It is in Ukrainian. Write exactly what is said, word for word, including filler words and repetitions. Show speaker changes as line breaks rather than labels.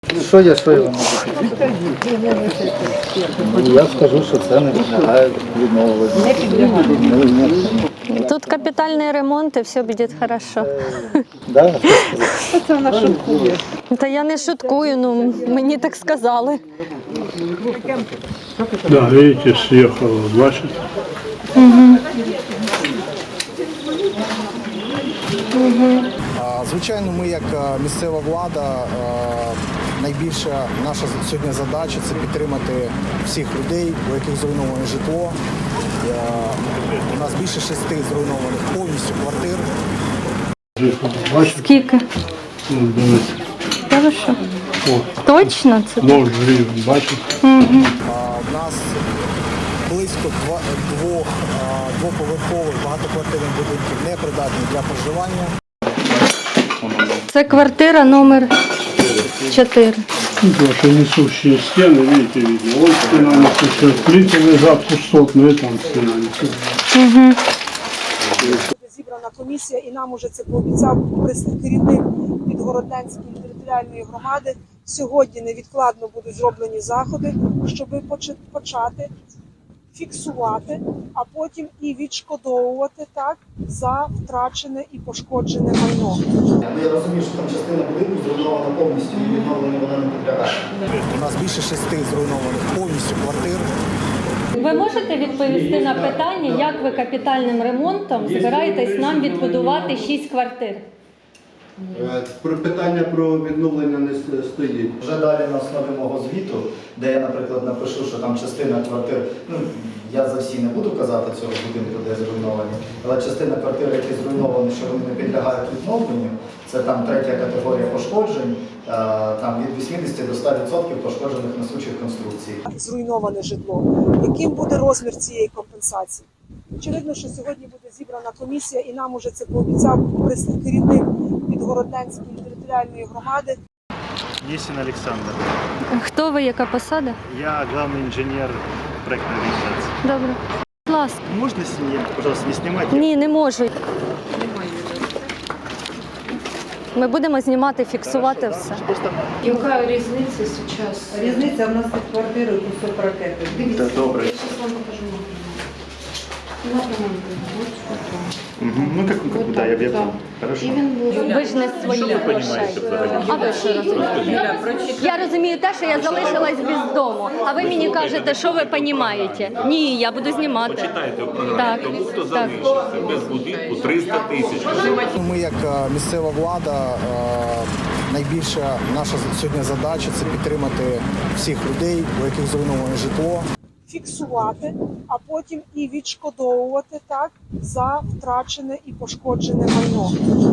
Що я, що я вам можу сказати? Ну, я скажу, що це не підлягає відновленню.
Тут капітальний ремонт і все буде хорошо.
Да?
Це вона шуткує.
Та я не шуткую, ну мені так сказали.
Да, видите, съехало, бачите?
Звичайно, ми як місцева влада, найбільша наша сьогодні задача – це підтримати всіх людей, у яких зруйноване житло. У нас більше шести зруйнованих повністю квартир.
Бачите?
Скільки?
Ну, дивіться.
Хорошо.
О,
Точно це?
ноль гривень, бачите?
У нас близько два- двох а, двоповерхових багатоквартирних будинків непридатні для проживання.
Це квартира номер чотири.
Тут ваши несущие стены, видите, видно. Вот стена несущая, плиты лежат пустотные, там стена несущая.
Зібрана комісія, і нам уже це пообіцяв керівник Підгородненської територіальної громади. Сьогодні невідкладно будуть зроблені заходи, щоб почати фіксувати, а потім і відшкодовувати так за втрачене і пошкоджене майно.
Я розумію, що там частина будинку зруйнована повністю і відновлення вона не підлягає.
У нас більше шести зруйнованих повністю квартир.
Ви можете відповісти на питання, як ви капітальним ремонтом збираєтесь нам відбудувати шість квартир?
Про питання про відновлення не с- стоїть.
Вже далі на основі мого звіту, де я, наприклад, напишу, що там частина квартир, ну, я за всі не буду казати цього будинку, де зруйновані, але частина квартир, які зруйновані, що вони не підлягають відновленню, це там третя категорія пошкоджень, е, там від вісімдесят до ста відсотків пошкоджених несучих конструкцій.
Зруйноване житло. Яким буде розмір цієї компенсації? Очевидно, що сьогодні буде зібрана комісія, і нам уже це пообіцяв керівник Підгородненської територіальної громади.
Есин Александр.
Хто ви, яка посада?
Я главный инженер проектной организации.
Добре. Будь ласка.
Можно снять, пожалуйста, не снимайте?
Ні, не можу. Ми будемо знімати, фіксувати все.
Просто
Яка різниця зараз?
Різниця в нас під квартирою кусок ракети.
Дивіться,
добре.
я зараз вам покажу. На ремонт.
Мгм. Ну, как, как бы, да, я, я
Да.
понял. Хорошо.
І він був.
Ви ж не свої
Що ви
грошей.
понімаєте взагалі?
А ви що розумієте? Я розумію те, що я залишилась без дому. А ви мені кажете, що ви розумієте? Ні, я буду знімати.
Почитайте в програмі,
Так,
тому хто
так.
залишиться без будинку триста тисяч.
Ми як е, місцева влада, е, найбільша наша сьогодні задача – це підтримати всіх людей, у яких зруйноване житло.
Фіксувати, а потім і відшкодовувати так за втрачене і пошкоджене майно.